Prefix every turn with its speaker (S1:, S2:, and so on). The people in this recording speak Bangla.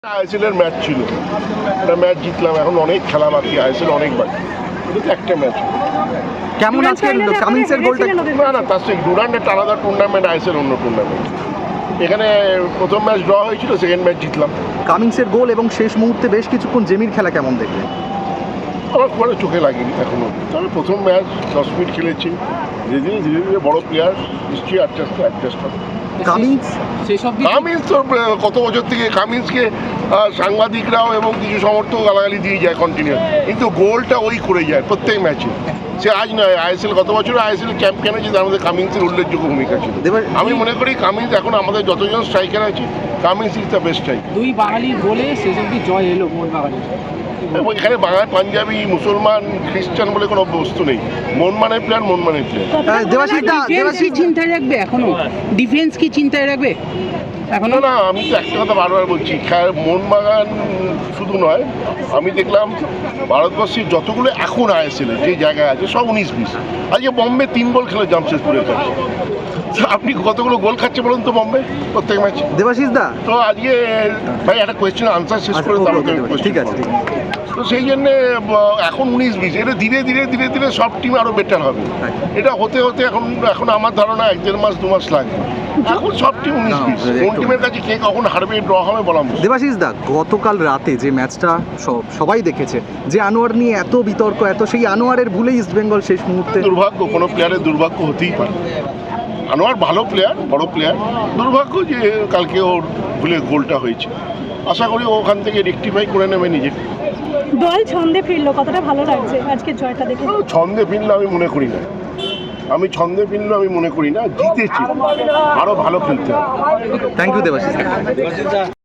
S1: আইএসএলের ম্যাচ ছিল, একটা ম্যাচ জিতলাম, এখন অনেক খেলা বাকি, আইএসএল অনেক বাকি, এটা তো একটা ম্যাচ।
S2: কেমন আজকে কামিন্সের গোলটা?
S1: না তার সঙ্গে ডুরান্ড একটা আলাদা টুর্নামেন্ট, আইএসএল অন্য টুর্নামেন্ট। এখানে প্রথম ম্যাচ ড্র হয়েছিল, সেকেন্ড ম্যাচ জিতলাম।
S2: কামিন্সের গোল এবং শেষ মুহূর্তে বেশ কিছুক্ষণ জেমির খেলা কেমন দেখলেন?
S1: আমার খুব একটা চোখে লাগেনি এখনো, তবে প্রথম ম্যাচ 10 মিনিট খেলেছি, ধীরে ধীরে বড় প্লেয়ার, নিশ্চয়ই অ্যাডজাস্ট হবে। কামিন্স তো কত বছর থেকে কামিন্সকে সাংবাদিকরাও এবং কিছু সমর্থক গালাগালি দিয়ে যায় কন্টিনিউ, কিন্তু গোলটা ওই করে যায় প্রত্যেক ম্যাচে। সে আজ নয়, আইএসএল গত বছর আইএসএল চ্যাম্পিয়ন হয়েছে, তার মধ্যে কামিন্সের উল্লেখযোগ্য ভূমিকা ছিল। আমি মনে করি কামিন্স এখন আমাদের যতজন স্ট্রাইকার আছে, Cummings is the best striker.
S3: দুই বাঙালির গোলে শেষ অবধি জয় এলো মোহনবাগানের।
S1: এখানে বাঙালি, পাঞ্জাবি, মুসলমান, খ্রিস্টান বলে কোনো বস্তু নেই। মনমানের প্লেয়ার, মনমানের প্লেয়ার।
S3: দেবাশিস চিন্তায় রাখবে এখনো? ডিফেন্স কি চিন্তায় রাখবে এখনো?
S1: না, আমি তো একটা কথা বারবার বলছি, মোহনবাগান শুধু নয়, আমি দেখলাম ভারতবর্ষের যতগুলো এখন আইএসএলে যে জায়গায় আছে সব 19-20। আজকে বম্বে 3 গোল খেলে জামশেদপুরের কাছে। আপনি কতগুলো গোল খাচ্ছে বলুন তো বম্বে প্রত্যেক ম্যাচে?
S2: দেবাশিস দা
S1: তো আজকে ভাই একটা কোয়েশ্চেন আনসার শেষ করে
S2: ঠিক আছে।
S1: তো সেই জন্যে এখন 19-20, এটা ধীরে ধীরে সব টিম আরো বেটার হবে। এটা হতে এখন আমার ধারণা 1-1.5 মাস 2 মাস লাগবে। এখন সব টিম 19-20, কোন টিমের কাছে কে কখন হারবে, ড্র হবে বলা মুশকিল।
S2: দেবাশিস দা, গতকাল রাতে যে ম্যাচটা সবাই দেখেছে, যে আনোয়ার নিয়ে এত বিতর্ক, সেই আনোয়ারের ভুলেই ইস্ট বেঙ্গল শেষ মুহূর্তে।
S1: দুর্ভাগ্য, কোনো প্লেয়ারের দুর্ভাগ্য হতেই পারে। আনোয়ার ভালো প্লেয়ার, বড় প্লেয়ার, দুর্ভাগ্য যে কালকে ওর ভুলে গোলটা হয়েছে। আশা করি ওখান থেকে রেকটিফাই করে নেবে নিজেকে।
S4: দল ছন্দে ফিরলো, কতটা ভালো লাগছে আজকে জয়টা দেখে?
S1: ছন্দে ফিরলো আমি মনে করি না, জিতেছি, আরো ভালো খেলতে হবে।
S2: Thank you Debashis.